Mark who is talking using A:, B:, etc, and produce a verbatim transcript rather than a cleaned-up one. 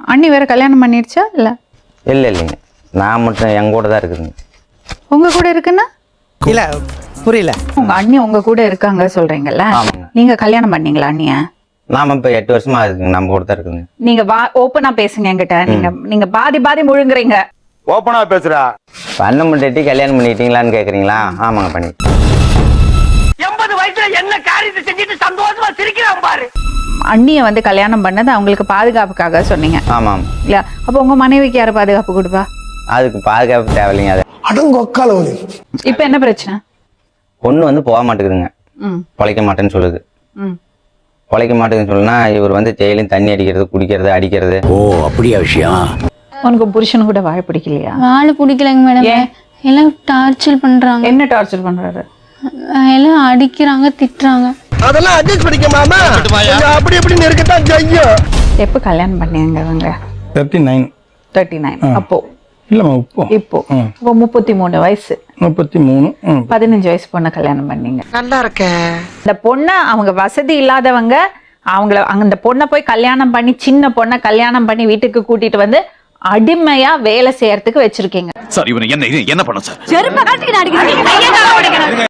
A: அண்ணி வேற கல்யாணம் பண்ணிடுச்சா இல்ல?
B: இல்லை இல்லைங்க, நான் மட்டும் என் கூட தான் இருக்குதுங்க.
A: உங்க கூட இருக்குன்னா
C: இல்ல புரியல.
A: உங்க அண்ணி உங்க கூட இருக்காங்க சொல்றீங்கல்ல,
B: ஆமாங்க.
A: நீங்க கல்யாணம் பண்ணீங்களா அண்ணிய?
B: நாம இப்போ எட்டு வருஷமா இருக்குங்க, நம்ம கூட தான் இருக்குதுங்க.
A: நீங்க வா ஓப்பனா பேசுங்க என்கிட்ட. நீங்க நீங்க பாதி பாதி முழுங்குறீங்க.
D: ஓப்பனா பேசுறா.
B: அண்ணன் முன்னாடி கல்யாணம் பண்ணிட்டீங்களான்னு கேட்குறீங்களா? ஆமாங்க, பண்ணி
E: எண்பது வயசுல என்ன காரியத்தை செஞ்சுட்டு சந்தோஷமா சிரிக்கிறான் பாரு.
A: அண்ணிய வந்து கல்யாணம் பண்ணது அவங்களுக்கு பாதுகாப்புக்காக சொன்னீங்க
B: ஆமாம்.
A: இல்ல? அப்ப உங்க மனைவிக்கு யாரு பாதுகாப்பு கொடுப்பா?
B: அதுக்கு பாதுகாப்பு தேவையில்லைங்க. அது
C: அடங்கொக்கால ஒலி.
A: இப்ப என்ன பிரச்சனை?
B: பொண்ணு வந்து போக மாட்டேங்குதுங்க,
A: ம்
B: பொழைக்க மாட்டேன்னு சொல்லுது.
A: ம்
B: பொழைக்க மாட்டேங்குதுன்னு சொல்லுனா இவர் வந்து டெய்லியும் தண்ணி அடிக்கிறது, குடிக்கிறது, அடிக்கிறது.
F: ஓ அப்படியா விஷயம்?
A: உனக்கு புருஷனு கூட வாழ பிடிக்கலையா?
G: வாழ பிடிக்கலைங்க மேடம்.
A: ஏன்?
G: எல்லாம் டார்ச்சர் பண்றாங்க.
A: என்ன டார்ச்சர் பண்றாரு?
G: எல்லாம் அடிக்கிறாங்க, திட்டுறாங்க.
C: அதெல்லாம் அட்ஜஸ்ட் பண்ணிக்க மாமா. கொஞ்சம் அப்படி இப்படி இருக்கத்தான் செய்யும்.
A: எப்ப கல்யாணம் பண்ணீங்க அவங்க?
H: தேர்ட்டி நைன்
A: தேர்ட்டி நைன் அப்போ
H: இல்லைம்மா இப்போ
A: இப்போ இப்போ முப்பத்தி மூணு வயசு
H: முப்பத்தி மூணு ம்.
A: பதினஞ்சு வயசு பொண்ணை கல்யாணம் பண்ணீங்க.
C: நல்லா இருக்க.
A: இந்த பொண்ணை அவங்க வசதி இல்லாதவங்க அவங்கள அந்த பொண்ணை போய் கல்யாணம் பண்ணி, சின்ன பொண்ணை கல்யாணம் பண்ணி வீட்டுக்கு கூட்டிட்டு வந்து அடிமையா வேலை செய்யறதுக்கு வச்சிருக்கீங்க.
F: சார் இவனை என்ன என்ன பண்ண சார்?
G: செருப்ப காட்டிட்டு அடிக்கிறாங்க.